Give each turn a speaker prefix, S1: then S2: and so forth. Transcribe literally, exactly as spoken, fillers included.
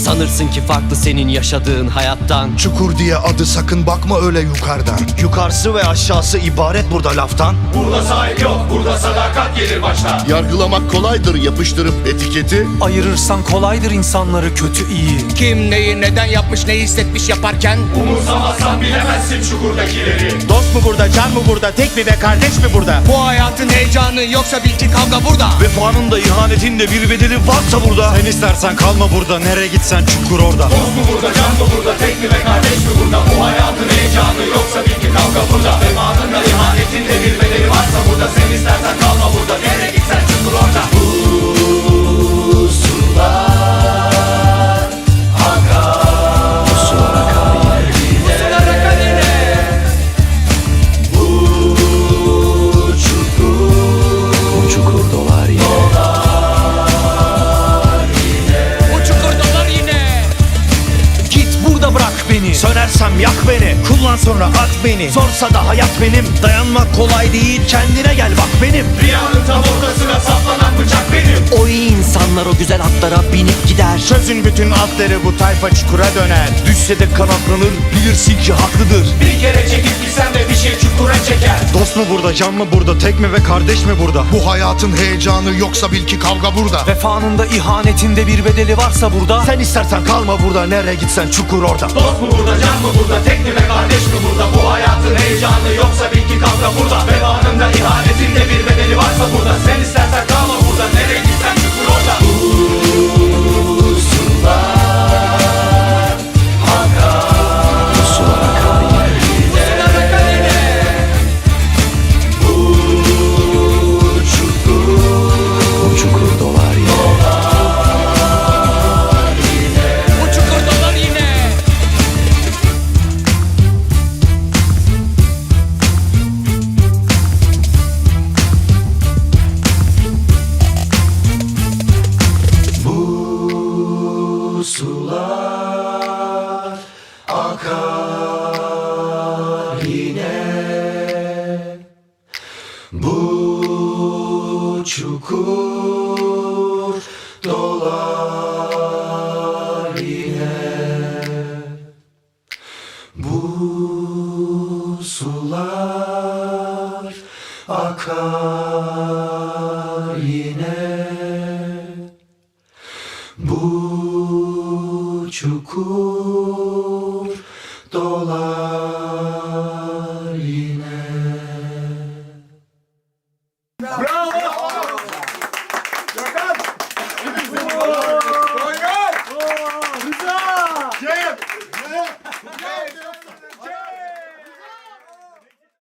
S1: Sanırsın ki farklı senin yaşadığın hayattan.
S2: Çukur diye adı, sakın bakma öyle yukarıdan.
S3: Yukarısı ve aşağısı ibaret burada laftan.
S4: Burada sahip yok, burada sadakat gelir başta.
S5: Yargılamak kolaydır yapıştırıp etiketi.
S6: Ayırırsan kolaydır insanları kötü iyi.
S7: Kim neyi neden yapmış, ne hissetmiş yaparken.
S4: Umursamazsan bilemezsin çukurdakileri.
S3: Dost mu burada, can mı burada, tek mi ve kardeş mi burada?
S7: Bu hayatın heyecanı yoksa bil ki kavga burada.
S3: Vefanın da ihanetin de bir bedeli varsa burada. Sen istersen kalma burada, nereye gitsen çukur orada.
S4: Dost mu burada, can mı burada, tek mi ve kardeş mi burada? Bu hayatın heyecanı yoksa bil ki kavga burada. Vefanın da ihanetin de bir bedeli varsa burada. Sen istersen kalma burada, nereye gitsen çukur orada. Bu sular akar, bu sular akar yine, bu sular akar yine. Bu çukur, bu çukur dolar yine.
S7: Bu çukur dolar yine.
S6: Git burada bırak beni.
S3: Sönersem yak beni, kullan sonra at beni. Zorsa da hayat benim, dayanmak kolay değil, kendine gel bak benim.
S4: Rüyanın tam ortasına saplanan bıçak benim.
S1: O iyi insanlar o güzel atlara binip gider.
S3: Çözün bütün atları, bu tayfa çukura döner. Düşse de kanatlanır, bilirsin ki haklıdır.
S4: Bir kere çekip gitsen de bir şey çukura çeker.
S3: Dost mu burada, can mı burada, tek mi ve kardeş mi burada?
S2: Bu hayatın heyecanı yoksa bil ki kavga burada.
S6: Vefanında ihanetinde bir bedeli varsa burada.
S3: Sen istersen kalma burada, nereye gitsen çukur orada.
S4: Dost mu burada, can mı burada, tek mi ve kardeş mi burada? Bu hayatın heyecanı yoksa bil ki kavga burada. Vefanın da ihanetin de bir bedeli varsa burada. Sen istersen kalma burada, nereye gitsen çukur orada. Bu sular akar, bu sular akar yine, bu sular akar yine. Bu çukur, bu çukur dolar yine.
S7: Bu çukur dolar yine.
S4: Bu sular akar yine. Bu çukur dolar yine. Bu sular akar yine. Bu çukur